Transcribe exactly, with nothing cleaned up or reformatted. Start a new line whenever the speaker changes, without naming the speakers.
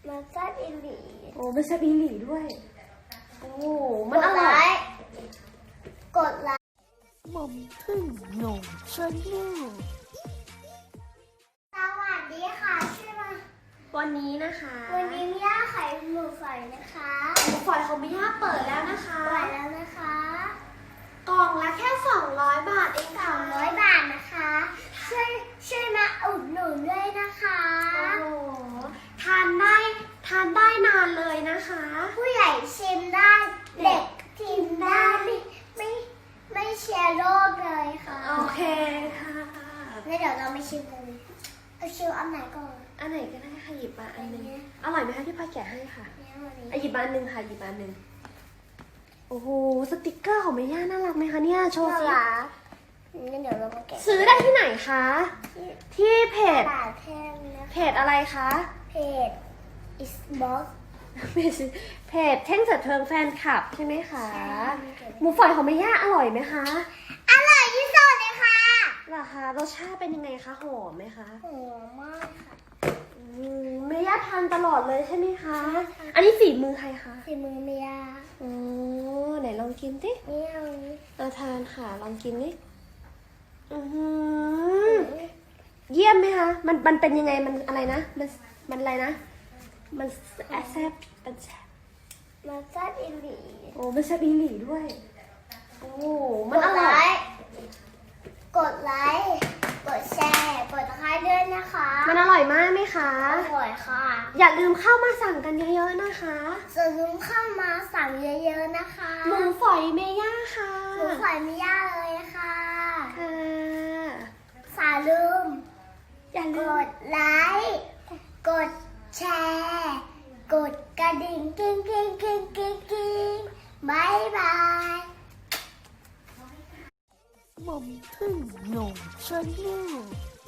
มันแซ่บอีหลี
โอ้ไม่ใช่อีหลีด้วยโอ้มัน
ก
อ
ดไล
ร่อย
ค์กดไลค์
หม่อมพึ่งหนุ่มชาแนล
สวัสดีค่ะชื่อมา
วันนี้นะคะ
วันนี้มิย่าไข่หมูฝอยนะคะ
หมูฝอยของมิย่าเปิดแล้วนะคะ
ปล่อยแล้วนะคะ
กล่องละแค่สองร้อยบาทเอง
ส
ค่ะ
องร้อยบาทนะคะช่วยช่วยมาอุดหนุนด้วยนะคะ
โอ้โหทานได้ทานได้นานเลยนะคะ
ผู้ใหญ่ชิมได้เด็กชิมได้ไม่ไม่ไม่เชียร์โรคเลยค่ะ
โอเคค่ะ
งั้นเดี๋ยวเราไม่ชิมเลยเอาชิมอันไหนก่อน
อันไหนก็ได้ค่ะหยิบมาอันหนึง
อันนี้
อร่อยไหมคะที่ป้าแกะให้ค่ะ
เนี่ยวันนี้
อ่ะหยิบมาอันหนึงค่ะหยิบมาอันหนึงโอ้โหสติกเกอร์ของแม่ย่าน่ารักไหมคะเนี่ยโชว์
น่า
สิ
รักงั้นเดี๋ยวเรามาแกะ
ซื้อได้ที่ไหนคะ
ที่
ที่เพจ
ตลาดแท่งนะ
เพ
คะ
จอะไรคะ
เพจ Xbox
เพจเพจเท่งเสดเทิงแฟนคลับใช่ไหมคะ
ใช่
หมูฝอยของแม่ย่าอร่อยไหมคะ
อร่อยที่สุดเลยค่ะ
เหรอคะรสชาติเป็นยังไงคะหอมไหมคะ
หอมมากค่ะ
อืมแม่ย่าทานตลอดเลยใช่ไหมคะ
ใช่ค่ะ
อันนี้ฝีมือใครคะ
ฝีมือเมีย
อ๋อไหนลองกินสิ
นี่เอาอันนี้
เอาทานค่ะลองกินดิอือหือเยี่ยมไหมคะมันมันเป็นยังไงมันอะไรนะมันมันอะไรนะมันแซ่บมันแซ่บ
มันแซ่บอีหลี
โอ้มันแซ่บอีหลีด้วยโอ้มัน
ก
อ
ดไล
ร่อย
ค์กดไลค์กดแชร์กดตะไคร้ด้วยนะคะ
มันอร่อยมากไหมคะ
อร่อยค่ะ
อย่าลืมเข้ามาสั่งกันเยอะๆนะคะ
จะลืมเข้ามาสั่งเยอะๆนะคะ
หมูฝอยเมย่าค่ะ
หมูฝอยไม่ยากเลยค่ะ
ค่ะ
สาลืม
อย่าก ลืม
ดไลค์กดแชร์กดกระดิ่งกิ้งกิ้งกิ้งกิ้งกิ้งบายบาย
หม่อมพึ่งหนุ่มชาแนล